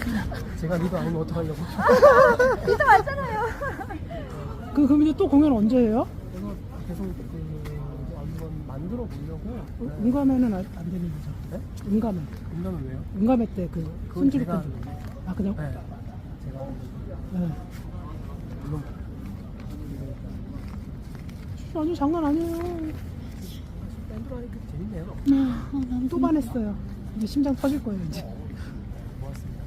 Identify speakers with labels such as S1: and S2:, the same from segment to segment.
S1: 제가 리더 아니면 어떡하려고.
S2: 리더 맞잖아요.
S3: 그럼 이제 또 공연 언제 해요?
S1: 그래서 계속 한번 만들어 보려고.
S3: 응가매는 안 되는 거죠?
S1: 네?
S3: 응가매.
S1: 응가면 왜요?
S3: 응가매 때 그
S1: 그건
S3: 손주를
S1: 제가
S3: 때. 아 그냥?
S1: 네. 제가
S3: 네.
S1: 물론
S3: 아니 장난 아니에요.
S1: 밴드로 하니까 재밌네요.
S3: 또 반했어요. 이제 심장 터질 거예요 이제.
S1: 고맙습니다.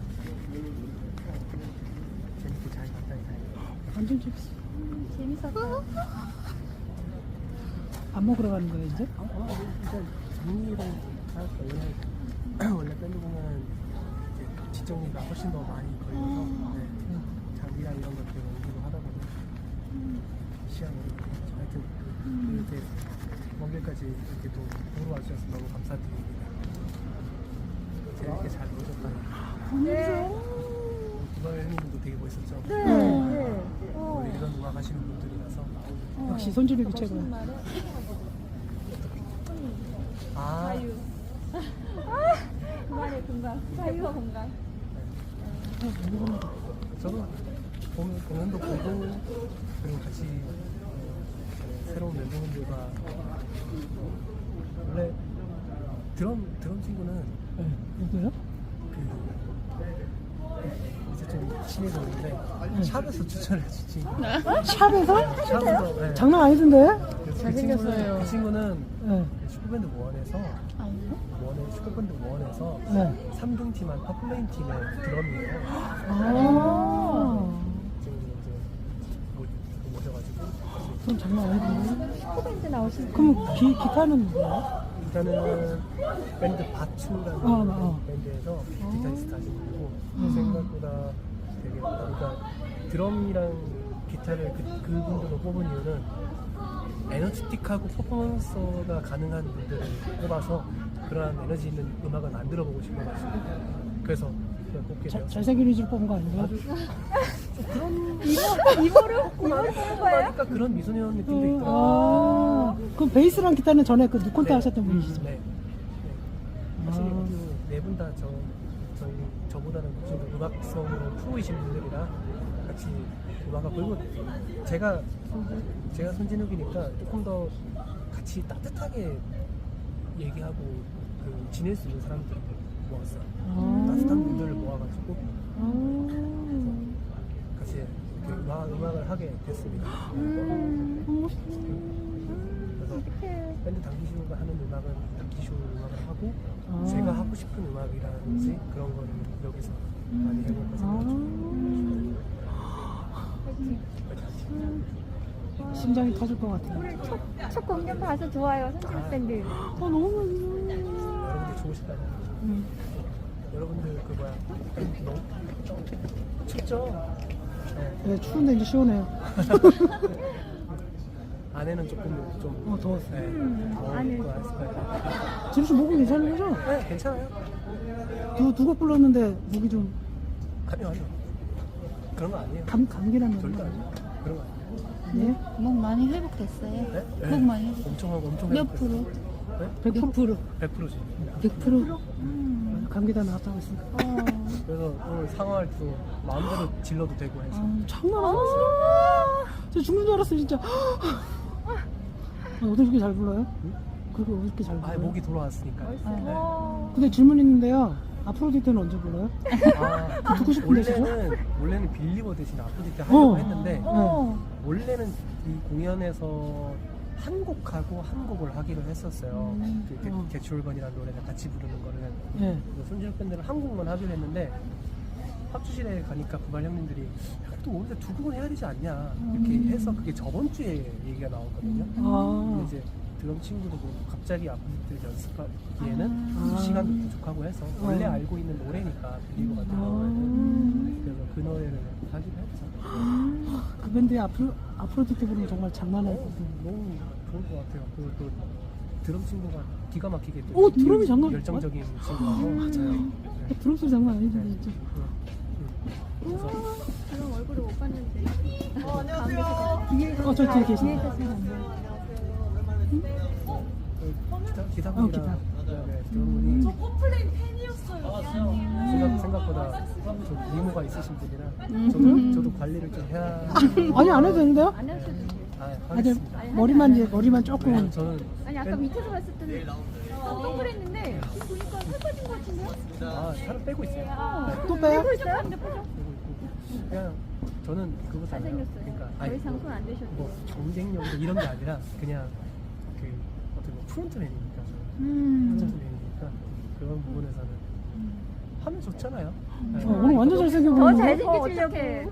S1: 재밌게 잘 봤다니 다행이에요.
S3: 완전 재밌어.
S2: 재밌었어요.
S3: 밥 먹으러 가는 거예요 이제?
S1: 일단 정리를 할까 원래 밴드 공연 이제 뒷정리가 훨씬 더 많이 걸려서 장비랑 이런 것들 옮기고 하다 보니 시간이 하여튼 이렇게 먼 길까지 이렇게 또 보러 와주셔서 너무 감사드립니다. 재밌게 잘 놀셨다니. 구발 형님도 되게 멋있었죠?
S2: 네.
S1: 원래 이런 음악 하시는 분들이라서
S3: 역시 손주력이 최고야.
S2: 공간의 공간. 자유와 공간.
S1: 저도 공연도 보고 그리고 같이 새로운 멤버분들과 원래 드럼 친구는
S3: 네. 누구요?
S1: 이제 좀 친해졌는데 샵에서 추천을 해주신 친구.
S3: 샵에서?
S1: 샵에서 네.
S3: 장난 아니던데?
S1: 잘생겼어요. 그 친구는
S3: 네.
S1: 슈퍼밴드 원에서 슈퍼밴드 원에서
S3: 네.
S1: 3등 팀한 퍼플레인 팀의 드럼이에요.
S3: 아.
S1: 지금 이제 모셔가지고
S3: 그럼 장난 아니던데?
S2: 슈퍼밴드 나오신
S3: 그럼 기타는 뭐예요?
S1: 일단은 밴드 바추라는 밴드에서 기타리스트 하시는 분이고 생각보다 되게 그러니까 드럼이랑 기타를 그분들로 뽑은 이유는 에너지틱하고 퍼포먼스가 가능한 분들을 뽑아서 그러한 에너지 있는 음악을 만들어보고 싶어가지고 그래서 뽑게 되었어요.
S3: 잘생긴 위주로 뽑은 거 아닌가요?
S2: 이거를 뽑은 거예요?
S1: 하니까 그런 미소년 느낌도 있더라고요.
S3: 아, 그럼 베이스랑 기타는 전에 그 누콘테 하셨던 분이시죠?
S1: 네. 사실 네 분 다 저보다는 좀 더 음악성으로 프로이신 분들이라 같이 음악을 그리고 제가 손진욱이니까 조금 더 같이 따뜻하게 얘기하고 지낼 수 있는 사람들을 모았어요. 따뜻한 분들을 모아가지고 같이 이렇게 음악을 하게 됐습니다. 그래서 밴드 당기쇼가 하는 음악은 당기쇼 음악을 하고 제가 하고 싶은 음악이라든지 그런 거를 여기서 많이 해볼까 생각 중이에요.
S3: 심장이 터질 것 같아요.
S2: 오늘 첫 공연 봐서 좋아요. 손진욱 밴드.
S3: 너무
S1: 여러분들 좋으시다고. 여러분들 너무 춥죠?
S3: 네, 추운데 이제 시원해요.
S1: 안에는 조금 좀
S3: 더웠어요.
S1: 더울 거 했을 거예요.
S3: 지루 씨 목은 괜찮은 거죠?
S1: 네, 괜찮아요.
S3: 두 곡 불렀는데 목이 좀
S1: 아니요. 그런 거 아니에요.
S3: 감기라는
S1: 절대
S3: 거
S1: 아니에요. 그런 거 아니에요.
S3: 네?
S4: 목 많이 회복됐어요?
S1: 네?
S4: 목 많이 회복.
S1: 엄청
S4: 몇
S1: 행복했어요.
S4: 프로?
S1: 네?
S3: 100%.
S1: 100%지.
S3: 100%? 감기 다 나왔다고 했으니까.
S1: 그래서 오늘 상황할 때도 마음대로 질러도 되고 해서
S3: 장난 아니었어요. 저 죽는 줄 알았어요, 진짜. 어떻게 그렇게 잘 불러요? 그렇게 어떻게 잘 불러요?
S1: 목이 돌아왔으니까.
S3: 근데 질문 있는데요. 아프로디테는 언제 불러요? 듣고 싶은데,
S1: 원래는 빌리버 대신 아프로디테 하려고 했는데
S3: 네.
S1: 원래는 이 공연에서 한 곡하고 한 곡을 하기로 했었어요. 개추얼건이라는 노래를 같이 부르는 거를.
S3: 네.
S1: 손진욱 밴드는 한 곡만 하기로 했는데 합주실에 가니까 부발 형님들이 야, 또 우리가 두 곡은 해야 되지 않냐 이렇게 해서 그게 저번 주에 얘기가 나왔거든요. 근데 이제 드럼 친구도 갑자기 아프리트 연습하기에는 시간도 부족하고 해서 원래 알고 있는 노래니까 빌리버 같은 경우에는 그래서 그 노래를 하기로 했죠.
S3: 그 밴드의 아프로디테 부르면 정말 장난 아니거든요.
S1: 너무 좋을 것 같아요. 그리고 또 드럼 친구가 기가 막히게 또
S3: 드럼이 장난
S1: 열정적인 친구라서 맞아요.
S3: 드럼 소리 장난 아니죠, 진짜.
S1: 그래서
S2: 그럼 얼굴을 못 봤는데.
S3: 저 뒤에 계시네.
S1: 기사분이랑 그다음에 드럼분이
S5: 저 코플레이 팬이었어요.
S1: 생각보다 좀 미모가 있으신 분이라 저도 관리를 좀 해야.
S3: 아니 안 해도 되는데요?
S2: 안 하셔도 돼요.
S3: 아니
S1: 하겠습니다.
S3: 머리만 조금.
S1: 왜냐면 저는
S2: 아니 아까 밑에서 봤을 때는 동그랬는데 지금 보니까 살 빠진 것 같은데요?
S1: 살을 빼고 있어요.
S3: 또 빼요?
S2: 빼고 있어요? 근데 빼죠?
S1: 빼고 있고 그냥 저는 그거잖아요.
S2: 잘생겼어요.
S1: 그러니까
S2: 더
S1: 아니,
S2: 이상 손 안 대셔도
S1: 뭐
S2: 돼요.
S1: 경쟁력이나 이런 게 아니라 그냥 그 어떻게 보면 프론트맨이니까 저는
S2: 음.
S1: 프론트맨이니까 그런 부분에서는 하면 좋잖아요. 네.
S3: 오늘 완전 잘생겨
S2: 더
S3: 보이네.
S2: 잘생기시려고.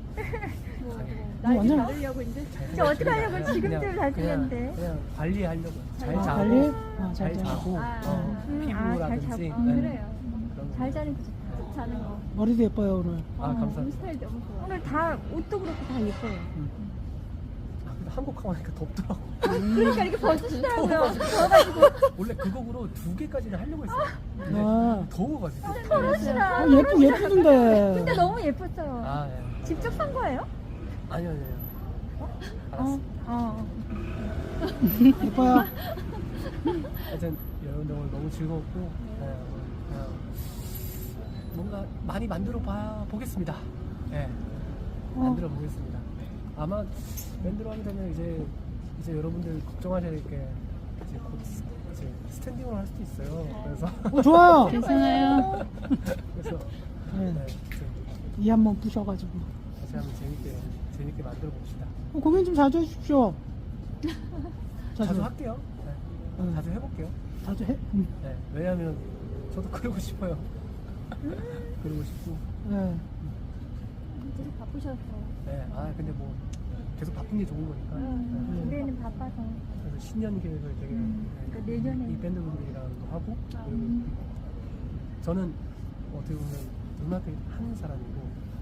S2: 날
S3: 완전-
S2: 받으려고 이제. 이제 어떻게 하려고 지금대로 잘생겼는데.
S1: 그냥 관리하려고 잘 자고
S3: 관리?
S1: 잘 자고 피부라든지
S2: 잘 자고.
S1: 네.
S2: 그래요.
S1: 그런 거.
S2: 잘 자는 거 좋다. 자는 거.
S3: 머리도 예뻐요 오늘.
S1: 감사합니다.
S2: 스타일 너무 좋아. 오늘 다 옷도 그렇고 다 예뻐요.
S1: 근데 한국 가고 나니까 덥더라고.
S2: 그러니까 이렇게 벗으시더라고요.
S1: 원래 그 곡으로 2개까지는 하려고 했어요. 근데
S3: 아.
S1: 더워가지고.
S2: 벗으시라.
S3: 예쁘던데.
S2: 근데 너무 예뻤어요.
S1: 예.
S2: 직접 산 거예요?
S1: 아니요. 알았어.
S3: 예뻐요.
S1: 하여튼 여러분들 오늘 너무 즐거웠고 그냥 뭔가 많이 만들어 보겠습니다. 예, 만들어 보겠습니다. 아마 밴드로 하게 되면 이제 여러분들 걱정하셔야 될 게 이제 곧 이제 스탠딩으로 할 수도 있어요. 그래서
S3: 좋아요.
S4: 괜찮아요.
S1: 그래서
S3: 네.
S1: 좀
S3: 이 한번 부셔가지고.
S1: 다시 한번 재밌게 만들어 봅시다.
S3: 공연 좀 자주 해주십시오.
S1: 자주 할게요. 네.
S3: 응.
S1: 자주 해볼게요.
S3: 자주 해.
S1: 네. 왜냐하면 저도 그러고 싶어요. 그러고 싶고.
S3: 네.
S2: 되게 바쁘셔서.
S1: 네. 근데 뭐 계속 바쁜 게 좋은 거니까. 네.
S2: 올해는 바빠서.
S1: 그래서 신년 계획을 되게
S2: 그러니까 내년에.
S1: 이 밴드분들이랑도 하고 그리고 저는 어떻게 보면 음악을 하는 사람이고